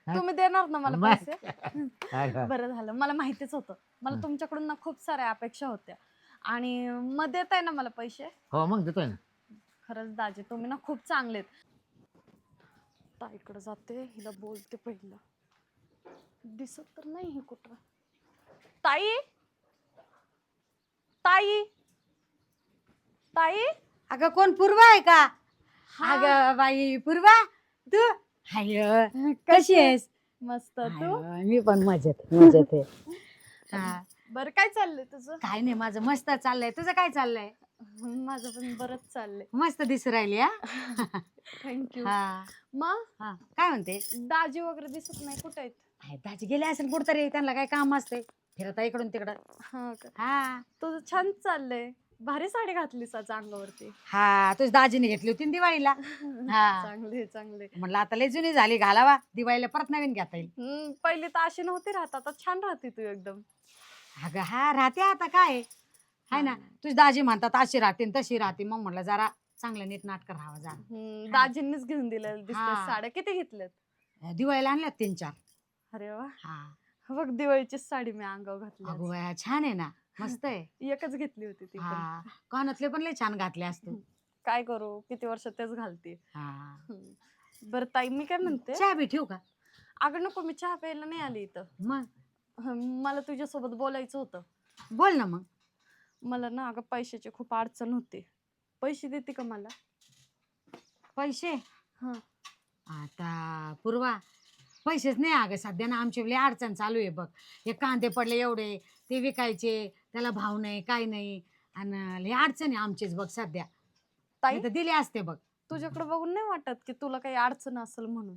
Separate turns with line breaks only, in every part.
तुम्ही देणार ना मला
मग.
पैसे? बरं झालं, मला माहितीच होतं. मला तुमच्याकडून ना खूप साऱ्या अपेक्षा होत्या आणि मग देताय ना मला पैसे?
हो मग देतोय ना.
खरंच दाजी तुम्ही ना खूप चांगलेत. ताईकडे जाते, हिला बोलते पहिलं. दिसत तर नाही हे कुठं. ताई, ताई, ताई.
अगं कोण पूर्वा आहे का?
हा.
अगं बाई पूर्वा तू हाय कशी आहेस?
मस्त. तू?
मी पण मजेत मजेत आहे. हा.
बरं, काय चाललंय तुझं?
काय नाही माझं मस्त चाललंय. तुझं काय चाललंय?
माझं पण बरंच चाललंय.
मस्त दिसू राहिली हा.
थँक्यू.
हा
मग
हा काय म्हणते?
दाजी वगैरे दिसत नाही, कुठे आहेत?
हाय, दाजी गेले असेल कुठतरी, त्यांना काय काम असते फिरता इकडून तिकडं.
हा का?
हा
तुझं छान चाललंय. भारी साडी घातलीस आज अंगावरती.
हा तुझ दाजीने घेतली होती ना दिवाळीला. हा
चांगले चांगले.
म्हणलं आता लय जुनी झाली, घालावा दिवाळीला परत नवीन घेता येईल.
पहिली तर अशी नव्हती राहत, आता छान राहते तू एकदम.
अगं हा राहते आता काय हाय ना. तुझी दाजी म्हणतात अशी राहते न तशी राहते, मग म्हटलं जरा चांगलं नीट नाटक राहावं जरा.
दाजींनीच घेऊन दिलेल्या दिसतात
हा.
साड्या. किती घेतल्यात?
दिवाळीला आणल्यात 3-4.
अरे वा.
हा
बघ, दिवाळीचीच साडी मी अंगावर घातली
अगो
आज.
बाया छान आहे ना, मस्त आहे.
एकच घेतली होती ती पण.
हा कानातले पण लय छान घातले असतो.
काय करू, किती वर्ष तेच घालते.
हा
बरं ताई, मी काय म्हणते,
चहा बी ठेवू का?
अगं नको, मी चहा प्यायला नाही आली इथं.
मग
मला तुझ्यासोबत बोलायचं होतं.
बोल ना मग.
मला ना अगं पैशाची खूप अडचण होते. पैसे देते का मला?
पैसे
हा.
आता पूर्वा पैसेच नाही अगं सध्या ना, आमची लय अडचण चालू आहे बघ. हे कांदे पडले एवढे, ते विकायचे, त्याला भाव नाही काय नाही, आणि लय अडचण आहे आमचीच बघ सध्या.
ताई,
तर दिले असते बघ.
तुझ्याकडे बघून नाही वाटत की तुला काही अडचण असेल म्हणून?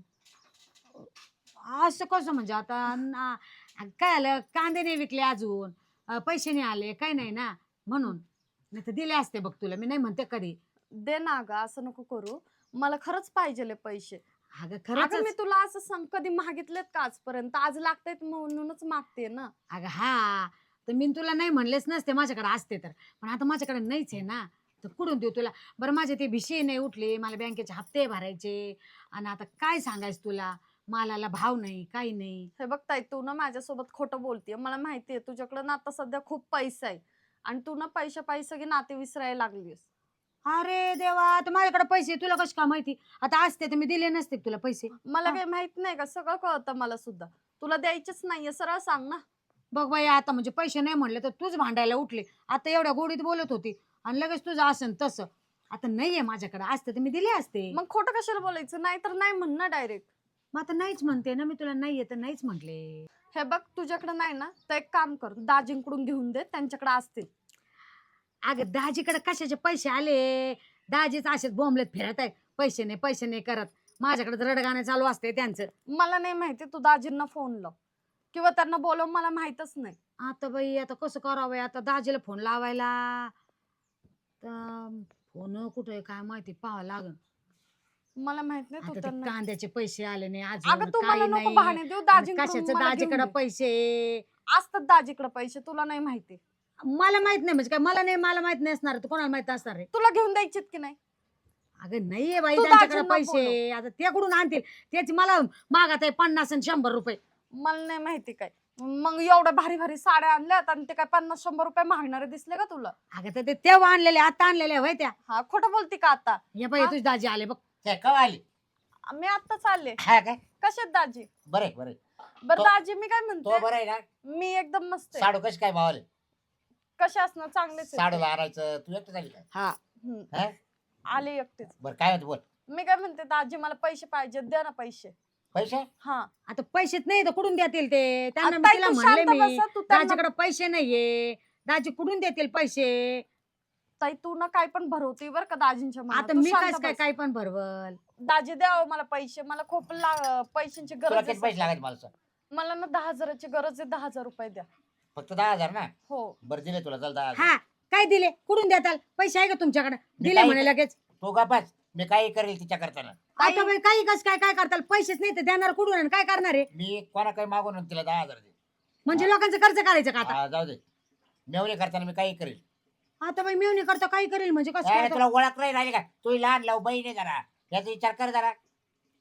असं कसं म्हणजे आता काय आलं, कांदे नाही विकले अजून, पैसे नाही आले काही नाही ना, म्हणून. नाही तर दिले असते बघ तुला, मी नाही म्हणते कधी.
दे ना अगं, असं नको करू. मला खरंच पाहिजे पैसे.
अगं खरंच.
अगं मी तुला असं कधी मागितलेत का आजपर्यंत? आज लागतायत म्हणूनच मागते ना.
अगं हा, तर मी तुला नाही म्हणलेच नसते माझ्याकडे असते तर, पण आता माझ्याकडे नाहीच आहे ना, तर कुठून देऊ तुला? बरं माझे ते भिशी नाही उठले, मला बँकेचे हप्ते भरायचे, आणि आता काय सांगायचं तुला, मालाला भाव नाही काही नाही.
हे बघ ताई, तू ना माझ्यासोबत खोटं बोलतीये. मला माहितीये तुझ्याकडे ना आता सध्या खूप पैसा आहे आणि तू ना पैशापायी सगळी नाते विसरायला लागलीस.
अरे देवा, तर माझ्याकडे पैसे तुला कशी का माहिती? आता असते तर मी दिले नसते का तुला पैसे?
मला काही माहित नाही का? सगळं कळतं मला सुद्धा. तुला द्यायचेच नाहीये, सरळ सांग ना.
बघ बाई, आता म्हणजे पैसे नाही म्हणले तर तूच भांडायला उठले. आता एवढ्या गोडीत बोलत होती आणि लगेच तुझं असं तसं. आता नाहीये माझ्याकडे, असते तर मी दिले असते.
मग खोटं कशाला बोलायचं? नाही तर नाही म्हण ना डायरेक्ट.
मग आता नाहीच म्हणते ना मी तुला, नाहीये तर नाहीच म्हटले.
हे बघ, तुझ्याकडे नाही ना, तर एक काम कर, दाजींकडून घेऊन दे, त्यांच्याकडे असतील.
अगं दाजीकडे कशाचे पैसे आले? दाजीच असेच बोंबलेत फिरत आहे, पैसे नाही पैसे नाही करत. माझ्याकडे रडगाणं चालू असते त्यांचं.
मला नाही माहिती, तू दाजींना फोन लाव किंवा त्यांना बोलव, मला माहितच नाही.
आता बाई आता कसं करावं? आता दाजीला फोन लावायला तर फोन कुठे आहे काय माहिती, पाहावं लागल.
मला माहित नाही. तू
आता ते
त्यांना,
कांद्याचे पैसे आले नाही
अगं
अजून,
तू मला
काही
नको
नाही.
बहाणे देऊ.
आणि
दाजींकडून
कशाचं
मला घेऊन
दाजीकडे
दे.
पैसे?
असतात दाजीकडे पैसे, तुला नाही माहिती.
मला माहित नाही म्हणजे काय? मला माहित नाही असणार, तर कोणाला माहित असणार आहे?
तुला घेऊन द्यायचीत की नाही?
अगं नाहीये बाई
तू
त्यांच्याकडे
दाजींना
पैसे, आता ते कुठून आणतील? त्याची मला मागत आहे 50 आणि 100 रुपये.
मला नाही माहिती काय. मग एवढ्या भारी भारी साड्या आणल्यात आणि ते काय 50-100 रुपये मागणारे दिसले का तुला?
अगं तर ते तेव्हा आणलेले, आता आणलेले होय त्या.
हा, खोटं बोलती का आता?
हे बाई तुझी दाजी आले बघ.
काय कवा आली?
मी आता चालले.
हा काय?
कशात दाजी?
बरे बरे.
बरं
तो-
दाजी, मी काय
तो
म्हणते,
बरं आहे ना?
मी एकदम मस्त आहे.
साडू कशी काय भावाले?
कसे असणार? चांगलेच आहे.
साडूला आणायचं तू एकटं झाली का?
हा
हम्म.
हा?
आले एकटेच.
बरं काय होतं बोल.
मी काय म्हणते दाजी, मला पैसे पाहिजे, द्या ना पैसे.
पैसे?
हा.
आता पैसेच नाही तर कुठून देतील ते? त्यांना
आता
मी तिला
तू
म्हणले
शांत
मी
बसा, तू त्यांना-
दाजीकडे पैसे नाहीये, दाजी कुठून देतील पैसे?
ताई, तू ना काय पण भरवते बरं का दाजींच्या मनात.
आता
तू
मी
शांत
कस काय
बस.
काय पण भरवल?
दाजी द्या मला पैसे, मला खूप पैशांची
तुला
गरज
किती
आहे.
पैसे लागायचे मला सांग?
मला ना 10,000ची गरज आहे. 10,000 रुपये द्या.
फक्त 10,000 ना?
हो.
बरं दिले तुला, चल 10,000.
हा काय दिले? कुठून देताल? पैसे आहे का तुमच्याकडे?
मी
दिले
काही-
म्हणे लगेच.
तू का बस, मी काही करेल तिच्या करताना.
आता बाई काही कस काय काय करताल? पैसेच नाही तर देणार कुठून आणि काय करणार आहे?
मी कोणा काही मागून तिला 10,000 दे.
म्हणजे लोकांचं कर्ज करायचं का आता?
हा, जाऊ दे. मेवणे करताना मी काही करेल.
आता बाई मेवणी करता काही करेल म्हणजे कसं
अरे
काय?
तुला ओळख नाही राहिली का? तू लहान लाव बहीण आहे जरा, याचा विचार कर जरा.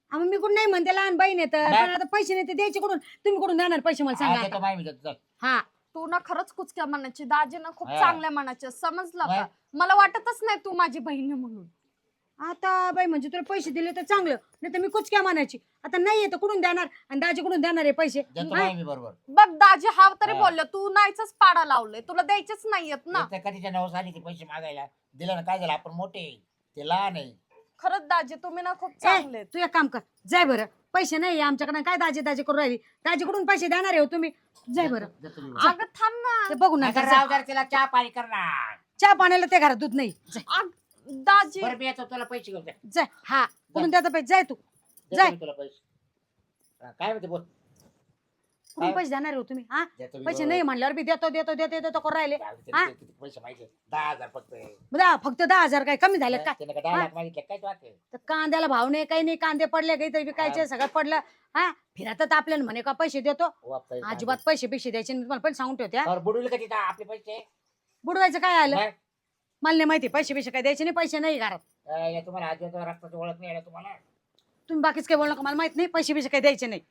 मग मी कुठं नाही म्हणते लहान बहीण आहे तर
नाही.
पण आता पैसे नाही ते द्यायचे कुठून तुम्ही कुठून देणार पैसे मला सांगा
देतो
आता.
माय मी देतो चल.
हा
तू ना खरंच कुचक्या मनाची, दाजी ना खूप
हा.
चांगल्या मनाचे, समजलं
नाही.
का? मला वाटतच नाही तू माझी बहीण आहे म्हणून.
आता बाई म्हणजे तुला पैसे दिले तर चांगलं, नाही तर मी कुचक्या मानायची. आता नाही येतं कुठून देणार आणि दाजी कुठून देणार आहे पैसे?
देतो
हा?
माय मी बरोबर.
बघ दाजी हा तरी
हा.
बोलले, तू नाहीच पाडा लावले, तुला द्यायचेच नाहीयेत ना.
ते कधीच्या नवस आली ते पैसे मागायला दिलं ना, काय झालं आपण मोठे आहे, ते लहान आहे.
खरंच दाजी तुम्ही ना खूप
ए,
चांगले आहेत.
तू एक काम कर, जाय बरं. पैसे नाही आमच्याकडे, काय दाजी दाजी करून राहिली? दाजीकडून पैसे देणार आहे हो तुम्ही, जाय बरं.
देतो मी बरोबर.
अगं थांब ना.
ते बघू ना
नका राव जरा तिला चहा पाणी करणार.
चहा पाण्याला ते घरात दूध नाही. जाय
दाजी
बरं मी येतो तुला पैसे घेऊन दे.
जाय. हा कुठून देता पैसे? जाय तू.
देतो
जाय.
मी तुला पैसे. हा, काय म्हणते बोल.
कुठून
काय?
पैसे देणार आहे हो तुम्ही? हा
देतो मी
पैसे
बरोबर.
नाही म्हणल्यावर बी देतो देतो देतो देतो करून राहिले.
जाऊ दे,
हा?
ते किती पैसे माहिती 10,000 फक्त.
फक्त 10,000 काय कमी झाले काय?
त्याने का 10 लाख मागितले काय तू आता?
तर कांद्याला भाव नाही, काही नाही, कांदे पडले काही तरी विकायचे, सगळं पडलं. हा फिरतात आपल्याला म्हणे का पैसे देतो?
वापस
अजिबात पैसे पैसे द्यायचे नाही. तुम्हाला पण सांगून ठेवते हा.
तर बुडवले का तिथं आपले पैसे?
बुडवायचं काय आलं?
नाही.
मला नाही माहिती पैसे पैसे काय द्यायचे नाही, पैसे नाही घरात.
या तुम्हाला आज रक्ताची ओळख नाही आहे तुम्हाला.
तुम्ही बाकीच काय बोलू नका, मला माहित नाही पैसे पैसे काय द्यायचे नाही.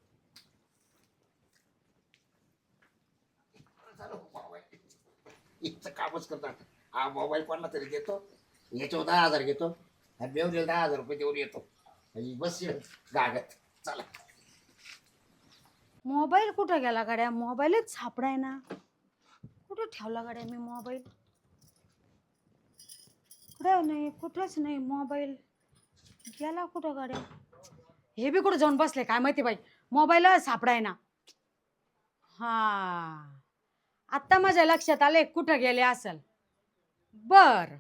इथं कामच करतात. हा मोबाईल कोणाला तरी देतो, याच्यावर 10,000 घेतो आणि मेवणीला 10,000 रुपये देऊन येतो आणि बस गागत चला.
मोबाईल कुठं गेला गाड्या? मोबाईलच सापडाय ना. कुठं ठेवला गाड्या मी मोबाईल? कुठं नाही, कुठंच नाही मोबाईल. गेला कुठं गाड्या? हे बी कुठं जाऊन बसले काय माहिती बाई, मोबाईल सापडाय ना. हा आता माझ्या लक्षात आले कुठं गेले असेल. बर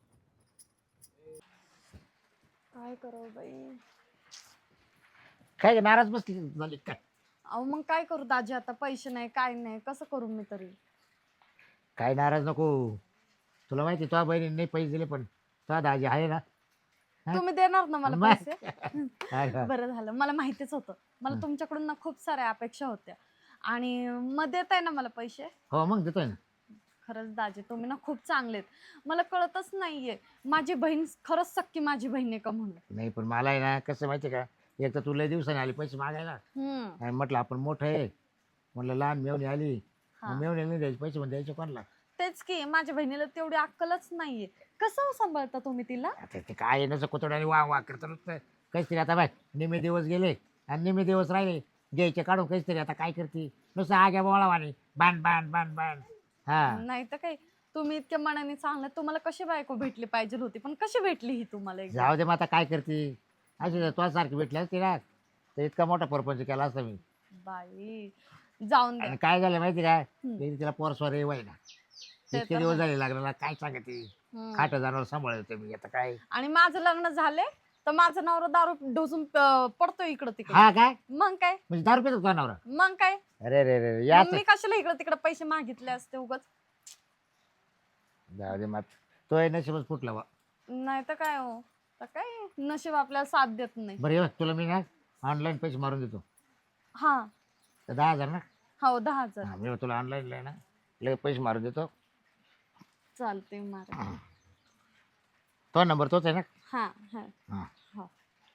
काय करावं बाई.
काय नाराज बसली झाली काय?
अहो मग काय करू दाजी, आता पैसे नाही काय नाही, कसं करू मी तरी.
काय नाराज नको. तुला माहिती तुझ्या बहिणीने नाही पैसे दिले पण तुझा दाजी आहे ना. हा?
तुम्ही देणार ना मला
मग.
पैसे?
काय का?
बरं झालं, मला माहितीच होतं. मला तुमच्याकडून ना खूप साऱ्या अपेक्षा होत्या आणि मग देताय ना मला पैसे?
हो मग देतोय ना.
खरंच दाजी तुम्ही ना खूप चांगलेत. मला कळतच नाहीये माझी बहीण खरंच सक्की माझी बहीण आहे का म्हणून.
नाही पण मला आहे ना कसं माहिती का, एक तर तुला दिवसाने आले पैसे मागायला आणि म्हटलं आपण मोठं आहे, म्हटलं लहान मेवणी आली,
हा.
मेवणी नाही द्यायचे पैसे, पण द्यायचे कोणाला?
तेच की माझ्या बहिणीला तेवढी अक्कलच नाहीये. कसं सांभाळता तुम्ही तिला?
आता ते काय नसं कुतोड्याने वा करत नुसतं काहीच तरी. आता बाय निम्मे दिवस गेले आणि निम्मे दिवस राहिले घ्यायचे काढून काहीच तरी. आता काय करते नुसतं आग्या बोळावाने बाण बाण बाण बाण. हा
नाही तर काय, तुम्ही इतक्या मनाने चांगलं, तुम्हाला कशी बायको भेटली पाहिजे होती, पण कशी भेटली ही तुम्हाला एकदम?
जाऊ दे मग आता काय करते. अशी तुझ्या सारखी भेटली असती ना तर इतका मोठा परपंच केला असता मी.
बाई जाऊन द्या.
आणि काय झालं माहिती का,
हम्म.
तिला पोरस्वर आहे ना,
ते
इतके
तर
दिवस
आहे.
झाले लागलेला. काय सांगते
हम्म.
खाट जनावर सांभाळतो मी आता काय.
आणि माझं लग्न झाले तर माझा नवरा दारू ढोसून पडतो इकडं तिकडं.
हा काय
मग काय,
म्हणजे 10 रुपये तुझा नवरा?
मग काय,
अरे रे रे
मग
याच
मी कशाला इकडं तिकडं पैसे मागितले असते उगाच.
जाऊ दे मग तो आहे नशीबच फुटला बा.
नाही तर काय हो, तर काय नशीब आपल्याला साथ देत नाही.
बरं ये तुला मी ना ऑनलाईन पैसे मारून देतो.
हा
तर 10,000 ना.
हो 10,000
हा, मी तुला ऑनलाईन ना लगेच पैसे मारून देतो.
चालते मारा.
तो नंबर तोच आहे ना.
हा हा
हा
हो.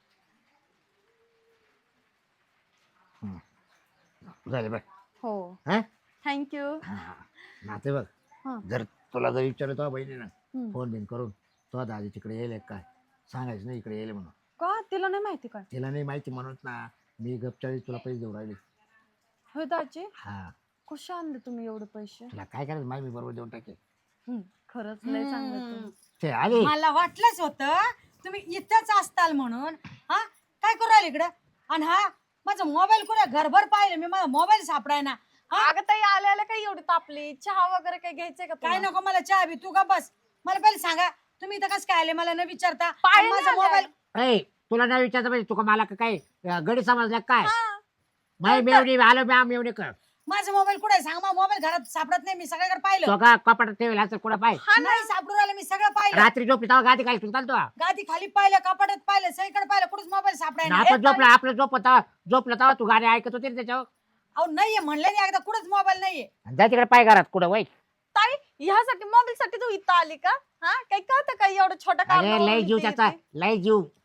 झाले बघ.
हो
हा
थँक्यू.
नाते बघ,
हा.
जर तुला जर विचारलं तो बहिणीनं
हम्म.
फोन बिन करून तो दादी तिकडे येईल काय सांगायचं नाही इकडे येईल म्हणून.
का तिला नाही माहिती काय?
तिला नाही माहिती म्हणून ना मी गपचाळी तुला पैसे देऊ राहिले.
होय दाजी,
हा
कशा आणले तुम्ही एवढे पैसे?
तुला काय करायचं माहिती मी बरोबर देऊन टाकेल.
खरंच लय चांगलं तुम्ही.
ते आले
मला वाटलंच होतं तुम्ही इथंच असताल म्हणून. हा काय करू राहिले इकडं? आणि हा माझा मोबाईल कुठे? घरभर पाहिलं मी, माझा मोबाईल सापडाय ना. हा
अगं ताई आल्या काय एवढी तापली? चहा वगैरे काही घ्यायचंय का
काय
तुला?
नको मला चहा बी, तू का बस. मला पहिले सांगा तुम्ही इथं कसं काय आले, मला न विचारता.
पायाने
आणि माझा
आले.
मोबाईल
ऐ तुला नाही विचारतं पाहिजे तुका मला का काय गडी समजल्या काय
हा.
माही मेवणी आलो मी मेवणी कर
माझा मोबाईल कुठे आहे? सांग, माझा मोबाईल घरात सापडत नाही, मी सगळ्याकडे पाहिलं.
तो का कपाटात ठेवला असेल कुठं पाय.
हा ना.
नाही सापडून राहिलं, मी सगळं पाहिलं.
रात्री झोपली तेव्हा गादी काय चालतो
गादी खाली पाहिलं, कपाटात पाहिलं, सगळीकडे पाहिलं, कुठेच मोबाईल सापडाय ना.
आपण झोपला आपलं झोपलं तेव्हा तू गाडी ऐकत होती ना त्याच्यावर.
अहो नाहीये म्हणलं नाही एकदा, कुठेच मोबाईल नाहीये.
जा तिकडे पाय घरात कुठं वय.
ताई ह्यासाठी मोबाईल साठी तू इथं आली का? हा काही कळतं का एवढं छोटं काम?
अरे लय जीव त्याचा लय जीव.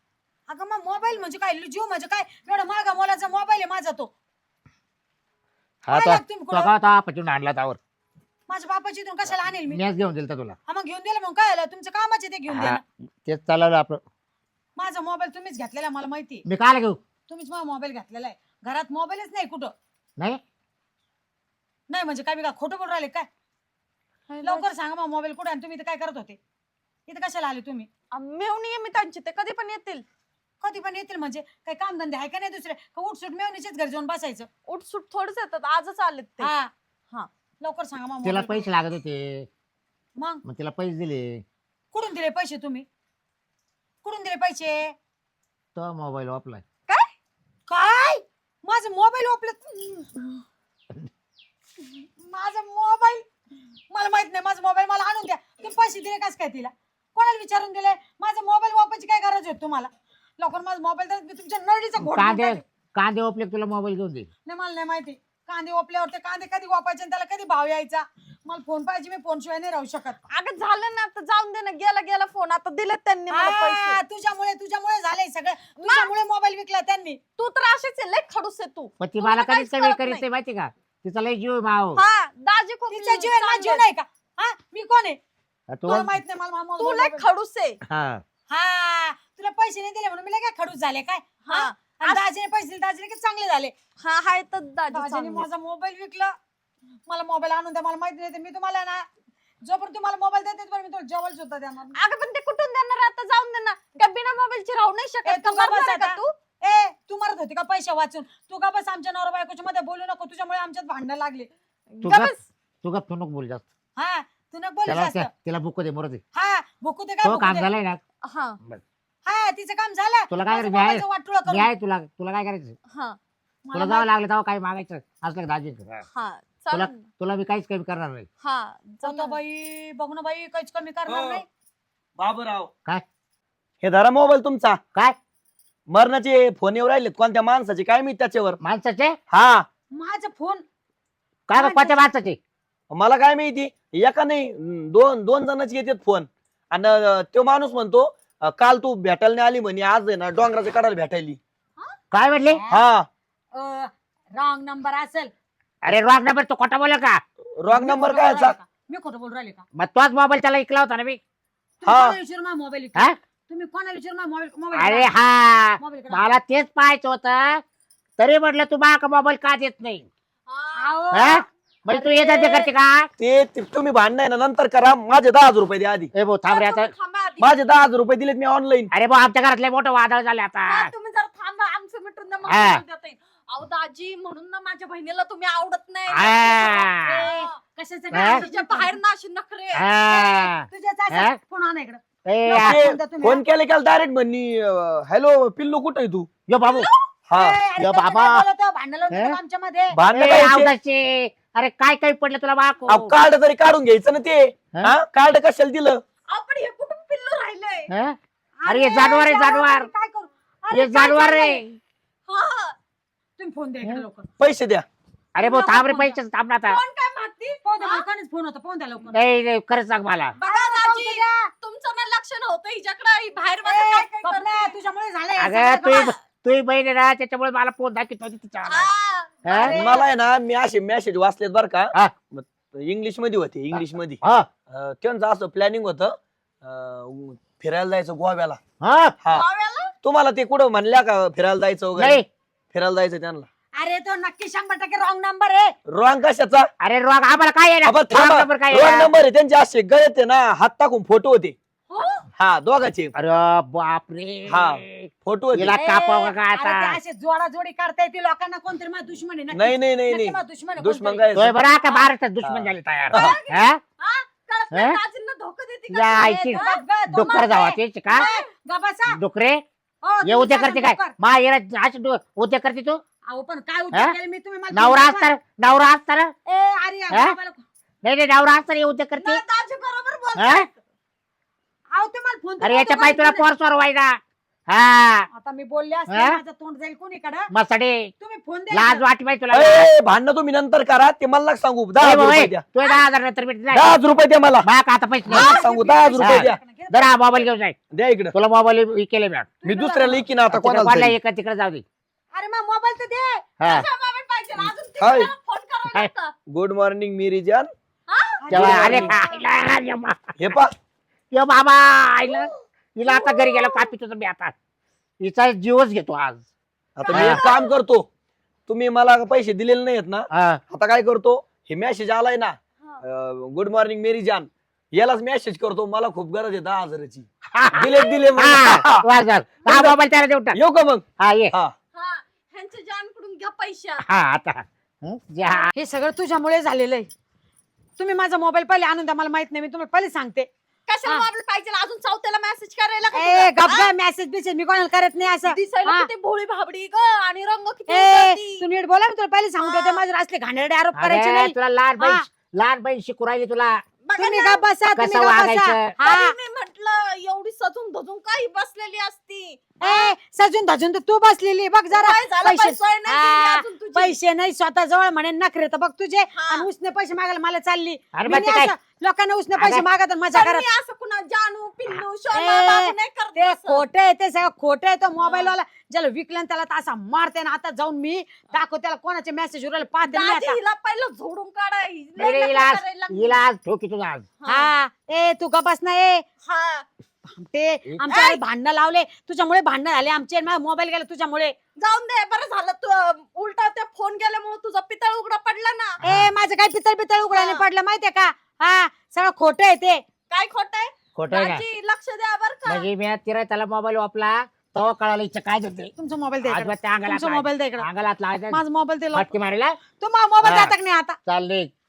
अगं मग मोबाईल म्हणजे काय जीव म्हणजे काय एवढा महागा मोलाचा मोबाईल आहे माझा तो
हा
काय लागतं तुम्ही कुठं?
तो पटून आणला त्यावर
माझ्या बापाची इथून कशाला आणेल मी
मीच घेऊन दिलं तुला
हा मग घेऊन दिलं मग काय आलं तुमच्या कामाचे ते घेऊन
हा,
द्या
तेच चालवलं आपलं.
माझा मोबाईल तुम्हीच घेतलेला मला माहिती
मी काल घेऊ
तुम्हीच माझा मोबाईल घेतलेला आहे घरात मोबाईलच नाही कुठं
नाही
नाही म्हणजे काय मी काय खोटं बोलून राहिले काय लवकर सांगा मग मोबाईल कुठे आणि तुम्ही इथं काय करत होते इथं कशाला आले तुम्ही
मेवणी आहे मी त्यांची, ते कधी पण येतील.
कधी पण येतील म्हणजे काही कामधंदे आहे का नाही दुसरे का उठसूट मेवणीचेच घर जाऊन बसायचं
उठसूट थोडंच येतात, आजच आलेत ते.
हा
हा.
लवकर सांगा मग
तिला
mobile
पैसे लागत होते
मग
मग तिला पैसे दिले.
कुठून दिले पैसे तुम्ही कुठून दिले पैसे
तो मोबाईल वापलाय.
काय माझा मोबाईल माझा मोबाईल मला माहित नाही माझा मोबाईल मला आणून द्या तुम्ही पैसे दिले कस काय तिला कोणाला विचारून दिले माझा मोबाईल वापरायची काय गरज होती तुम्हाला लवकर माझा मोबाईल तर मी तुमच्या नळीचा घोट घेऊन
कांदे
टाकेन.
कांदे ओपले तुला मोबाईल घेऊन दे.
नाही मला नाही माहिती कांदे ओपल्यावर ते कांदे कधी वापायचे आणि त्याला कधी भाव यायचा मला फोन पाहिजे मी फोन शिवाय नाही राहू शकत
अगं झालं ना आता, जाऊन दे ना, गेला गेला फोन, आता दिलेत त्यांनी मला पैसे.
तुझ्यामुळे झालंय सगळं तुझ्यामुळे मोबाईल विकला त्यांनी
तू तर अशीच आहे, लय खडूस आहे तू.
पण ती
तुला
मला
तर
कधीच
काहीच
कमी
कळत
करीत
नाही.
नाही माहिती का तिचा लय जीव आहे माव.
हा दाजी खूप
तिचा जीव आहे माझा जीव
चांगलं
नाही का हा मी कोण आहे
तू
तुला माहित नाही मला
आहे. तू लय खडूस आहे.
हा
हा तुला पैसे नाही दिले म्हणून मी काय खडूस झाले काय
हा.
आणि दाजीने पैसे दिले दाजीने किती चांगले झाले
हा हाय तर दाजी
दाजीने
चांगले.
माझा मोबाईल विकला मला मोबाईल आणून द्या मला माहिती नाही ते मी तुम्हाला ना जोपर्यंत तुम्हाला मोबाईल देते पण मी तुला जेवण सुद्धा देणार नाही.
अगं पण ते कुठून देणार, आता जाऊन दे ना. का बिना मोबाईलची राहू नाही
ए,
शकत
तू
का?
गप्प
मरणार आहे
बस
का
आता.
तू?
ए तू मरत होती का पैसे वाचून तू का बस आमच्या नवरा बायकोच्या मध्ये बोलू नको तुझ्यामुळे आमच्यात भांडणं लागली
तू
का
गप
बस?
तू गप तू नको बोल जास्त.
हा तू नको बोलू
त्याला
जास्त
तिला बुक दे मोर दे.
हा भुकू दे काय
तो
भुकू
काम
दे.
झालंय ना.
हा
हा तिचं काम झालं
तुला काय
माझं
करायचं?
मोबाईलचं वाटोळं करून.
मी आहे तुला तुला काय करायचं
हा
तुला
मला
जावं लागलं तेव्हा काय मागायचं असलं का दाजी
हा
तुला
चालेल.
तुला मी काहीच कमी करणार नाही.
हा
जाऊ
जमलं.
बाई बघ ना बाई काहीच कमी करणार
हो.
नाही
बाबूराव
काय?
हे धरा मोबाईल तुमचा
काय
मरणाचे फोन येऊ राहिलेत कोणत्या माणसाचे काय मी त्याच्यावर
माणसाचे
हा
माझा फोन
काय बघ कोणत्या माणसाचे
मला काय माहिती एका नाही दोन जणांचे येतात फोन आणि तो माणूस म्हणतो काल तू भेटायला नाही आली म्हणे आज आहे ना डोंगराच्या कडाला भेटायली
काय म्हणले?
हा
रॉंग नंबर असेल
अरे रॉंग नंबर तो खोटा बोल का?
रॉंग नंबर काय याचा?
मी खोटं बोलू राहिले का
मग तोच मोबाईल त्याला ऐकला होता ना मी.
तुम्ही
हा.
कोणाला विचारून माझा मोबाईल
हा?
तुम्ही कोणाला विचारून माझा मोबाईल
अरे
मोबाईल
हा
मोबाईल
मला तेच पाहायचं होतं तरी म्हटलं तू माका मोबाईल का देत नाही?
अहो,
हा? म्हणजे तू येतात ते करते का?
ते तुम्ही भांडणं ना नंतर करा माझे 10,000 रुपये द्या आधी
ए भाऊ थांब रे आता.
थांबा आधी.
माझे 10,000 रुपये दिलेत मी ऑनलाईन
अरे भाऊ आमच्या घरातले मोठं वादळ झाले आता.
हा, तुम्ही जर थांबा आमचं मिटून द्या, मग
हा.
तुम्हाला देता येईल. अहो दाजी म्हणून ना माझ्या बहिणीला तुम्ही आवडत नाही.
हा.
ए,
कशाचं
हा?
काय
तिच्या बाहेर ना अशी नखरे.
हा.
तुझ्या
हा?
फोन आणा इकडं
ए,
नको.
आ-
फोन द्या तुम्ही,
फोन केले केलं डायरेक्ट म्हणली हॅलो पिल्लू कुठे आहे तू
यो बाबू
हा
या बाबा.
भांडण लावून
हे?
आमच्या मध्ये
भांडणं
ए,
काय
आवदाचे. अरे काय काय पडलं तुला बाको?
कार्ड तरी काढून घ्यायचं ना ते
हा?
हा कार्ड कशाला दिलं
आपण हे कुठून पिल्लू राहिलंय.
हा? अरे हे जानवर आहे जानवर.
काय करू
हे जानवर रे.
हा
तुम्ही फोन द्या इकडे लवकर
पैसे द्या
अरे भाऊ थांब रे पैसे थांब ना आता.
कोण काय मागती?
फोन द्या लोकांनीच फोन होता फोन द्या लवकर
नाही नाही, खरंच सांग मला.
बघा दाजी
द्या.
तुमचं ना लक्ष नव्हतं हिच्याकडे, ही बाहेर बघा काय काय
स्वप्ना,
करते.
तुझ्यामुळे झालंय
अगं
सगळं.
तू बहीण आहे ना त्याच्यामुळे मला फोन दाखवत होती तिच्या.
हा.
हा?
अरे.
मला आहे ना मी असे मेसेज वाचलेत बर का
हा.
इंग्लिश मध्ये होते इंग्लिश मध्ये
हा.
त्यांचं असं प्लॅनिंग होतं फिरायला जायचं गोव्याला
हा?
हा
गोव्याला?
तुम्हाला ते कुठं म्हणल्या का फिरायला जायचं वगैरे
नाही
फिरायला जायचं त्यांना
अरे तो नक्की 100% रॉंग नंबर आहे
रॉंग कशाचा
अरे रोग आम्हाला काय आहे ना?
आपण
Wrong
थांबा
number काय
रॉंग
आहे?
नंबर आहे त्यांचे असे गळत आहे ना हात टाकून फोटो होते
हो?
हा दोघांचे
अरे बापरे.
हा. फोटो होते
हिला कापावं का
अरे
आता?
ते असे जोडाजोडी करता येते लोकांना कोणतरी माझा दुश्मन आहे नक्की.
नाही नाही नाही
नक्की
नाही
माझा दुश्मन आहे
दुश्मन
कोणतरी.
काय
तोय बरं आता महाराष्ट्रात दुश्मन झाले तयार. हा?
हा? कळत नाही,
हा?
दाजींना धोका देते का?
या
तू?
ऐकी.
ए, गप गं, तो
डुक्कर
मागे.
जावा तेच का?
ए, गबासा.
डुकरे
हो,
हे
तुम्ही
उद्या
सांगा
करते काय
डुक्कर.
मा येरा असे उद्या करते तू
अहो पण काय
हा?
उद्योग केले मी तुम्ही मला
नवरा
फोन
असताना नवरा असताना
करा. ए अरे या
हा?
बाबाला-
नाही नाही नवरा असताना हे उद्या करते.
नाही, दाजी बरोबर
हा?
बोलतायत.
अहो ते मला फोन
अरे याच्या पाय तुला पोरसवर व्हायला. हा
आता मी बोलले असते
हा?
माझं तोंड जाईल कोणीकडे
मसडे
तुम्ही फोन द्या
लाज
इकडं.
वाटी पाहिजे तुला.
ए, भांडणं तुम्ही नंतर करा ते मला नका सांगू 10,000 रुपये द्या
तू 10,000 नंतर भेटत
10,000 रुपये द्या मला
का आता पैसे
मला
नाही.
सांगू 10,000 रुपये द्या
घे
जरा मोबाईल घेऊन जाय.
द्या इकडं.
तुला मोबाईल केले मॅम.
मी दुसऱ्याला इकीन आता
कोणाला
कोणाला
एका तिकडे जाऊ दे.
अरे मग मोबाईल तर दे.
हा
कसा मोबाईल पाहिजे अजून ते
हाय.
त्याला फोन करावा
हाय.
लागतं.
गुड मॉर्निंग मिरी जान.
तेव्हा
अरे,
अरे खायला
हे पा
यो बाबा आईला हिला आता घरी गेला कापी तुझं मी आता हिचा जीवच घेतो आज.
आता मी एक काम करतो, तुम्ही मला पैसे दिलेले नाहीत ना,
हा.
आता काय करतो, हे मेसेज आलाय ना
हा.
गुड मॉर्निंग मेरी जान, यालाच मेसेज करतो, मला खूप गरज आहे 10,000ची. दिले
हा, वा झालं. हा मोबाईल त्याला देऊन टाक.
येऊ का मग?
हा ये.
हा
हा ह्यांच्या जानकडून घ्या पैसे आता.
हा आता हं? जा.
हे सगळं तुझ्यामुळे झालेलं आहे. तुम्ही माझा मोबाईल पहिले आणून द्या, मला माहित नाही, मी तुम्हाला पहिले सांगते.
कशाला
हा.
मोबाईल पाहिजे अजून चौथ्याला मेसेज करायला का
ए
तुला?
गप मेसेज बिसेज मी कोणाला करत नाही असं.
दिसायला
हा.
किती भोळी भाबडी ग आणि रंग किती
ए
उजळती.
तू नीट बोला, मी तुला पहिले सांगते,
हा.
ते माझे असले घाणेरडे आरोप करायचे
अरे,
नाही.
तुला
हा.
लहान बहीण शिकू राहिली तुला
बघा
तुम्ही
ना,
गप बसा, तुम्ही
कसं
गप बसा.
वागायचं.
हा.
तरी मी म्हटलं एवढी सजून धजून काही बसलेली असती.
ए सजून धजून तर तू बसलेली बघ जरा.
काय झालं
पैसे-
पैसे नाही दिली
हा,
अजून तुझी.
पैसे नाही स्वतः जवळ म्हणे नखरे तर बघ तुझे,
हा.
आणि उसने पैसे मागायला मला चालली.
अरे
मी
मग ते
नाही
काय
असं लोकांना उसने पैसे
अगं,
मागत आणि मजा
पण
करत.
मी असं कुणा जानू पिल्लू
ए,
शोना बाबू नाही करत
ते
असं.
खोटे आहे, ते सगळं खोटे आहे. तो मोबाईल वाला ज्याला विकलं ना त्याला तर असा मारते ना. आता जाऊन मी दाखव त्याला कोणाचे मेसेज उरायला पाहते मी
दाजी
आता.
हिला पहिलं झोडून काढाय
अरे, हिला आज ठोकी तुझा आज.
हा ए तू गपास ना ए.
हा
ते आमच्या भांडणं लावले तुझ्यामुळे, भांडणं झाले आमचे, मोबाईल गेला तुझ्यामुळे.
जाऊन दे बरं झालं तू उलटा ते फोन केल्यामुळे तुझा पितळ उघडा पडला ना.
ए माझं काय पितळ पितळ उघडाने
हा.
पडलं माहितीये का? हा सगळं खोटं आहे ते.
काय खोट आहे
खोटं आहे का?
दाजी लक्ष द्या बर का.
म्हणजे मी तिला त्याला मोबाईल वापला तेव्हा कळालं इच्छा काय होते.
तुमचा मोबाईल द्या इकडं.
आजोबा त्या अंगाला
तुमचा मोबाईल द्या इकडं.
अंगाला हात लावायचा.
माझा मोबाईल दिला
फटके मारायला
तू मोबाईल
हा.
जाता नाही आता.
चाल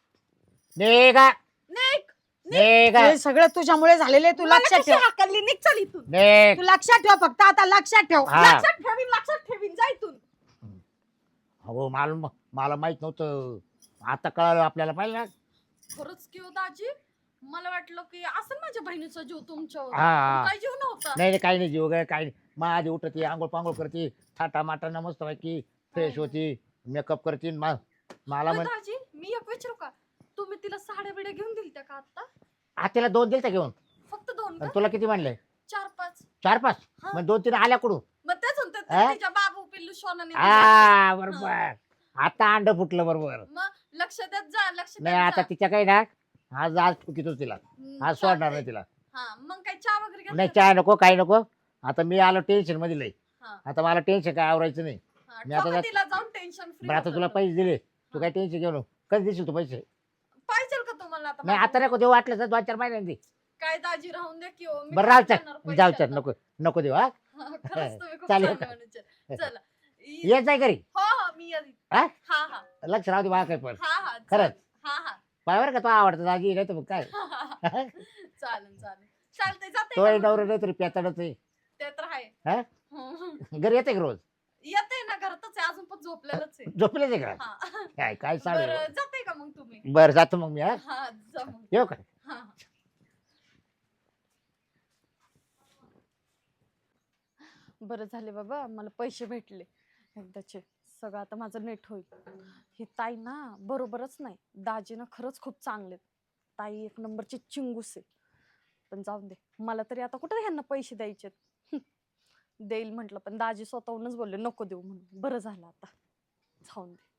निघा
निघ
निघा
हे सगळं तुझ्यामुळे झालेले, तू
मला
लक्षात
कशी
ठेव.
हाकलली निघ चल इथून.
निघ.
तू लक्षात ठेव फक्त, आता लक्षात ठेव.
हा.
लक्षात ठेवीन जा इथून.
हो मला माहित नव्हतं, आता कळालं आपल्याला पाहिजे ना.
खरंच की हो दाजी, मला वाटलं की असं माझ्या बहिणीचा जीव तुमच्यावर.
हा.
काय जीव नव्हता.
नाही काही नाही जीव वगैरे काही नाही. मग आधी उठती आंघोळ पांघोळ करते, थाटा माटाना मस्त पैकी फ्रेश होती, मेकअप करते. मला
पण
म्हण
दाजी मी एक विचारू का, तुम्ही तिला साड्या बिड्या घेऊन दिलत्या का आता?
आत्याला 2 दिलता घेऊन.
फक्त 2
आणि
का?
तुला किती म्हणले?
4-5.
4-5.
हा.
मग 2-3 आल्या कुठून?
मग तेच म्हणते
हा?
तिच्या बाबू पिल्लू सोनाने
हा बरोबर. आता अंड फुटलं बरोबर.
मग लक्ष देत जा लक्ष देत
नाही आता
जा.
तिच्या काही ना आज ठुकीतोच तिला. आज सोडणार
चालतंय.
नाही तिला.
हा मग काय चहा वगैरे घेतला
नाही
का?
चहा नको काही नको. आता मी आलो टेन्शन मध्ये लय.
हा.
आता मला टेन्शन काय आवरायचं नाही.
हा,
मी आता
ठोका
जात-
तिला जाऊन टेन्शन फ्री.
बरं आता तुला पैसे दिले, तू काय टेन्शन घेऊ नको. कधी देशील तू पैसे?
पाहिजे का तुम्हाला आता
नाही आता
माझं?
नको देऊ, वाटलं तर 2-4 महिन्यांनी दे.
काय दाजी राहून दे की हो, मी
बरं
काय
राहू
करणार
चल जाऊ
पैसे
चल
आता?
नको नको देऊ. हा
हा, खरंच तुम्ही खूप
चालेल
छान
का?
म्हणायचे. चला
येत जाय घरी.
हो हो मी येईल.
हा?
हा हा
लक्ष राहू दे मला काय पण.
हा हा
खरंच?
चालेल. हा हा
पाय बरं का तो आवडतं दाजी नाही तर मग काय.
चालेल चालतंय जाते
तो
का मग?
नवरा नाही तरी पेताडच आहे.
ते तर आहे.
हा? घरी येते का रोज?
येते ना घरातच आहे अजून पण झोपलेलंच आहे.
झोपलेच आहे का?
हा
काय काय चालू आहे?
बरं जाते का मग तुम्ही?
बरं जातो मग मी. हा
हा जा मग.
येऊ का?
हा बरं झाले बाबा, मला पैसे भेटले एकदाचे. सगळं आता माझं नेट होईल. ही ताई ना बरोबरच नाही, दाजी ना खरंच खूप चांगले. ताई एक नंबरची चिंगूस आहे. पण जाऊन दे, मला तरी आता कुठे ह्यांना पैसे द्यायचे. देईल म्हटलं पण दाजी स्वतःहूनच बोलले नको देऊ म्हणून. बरं झालं आता, जाऊन दे.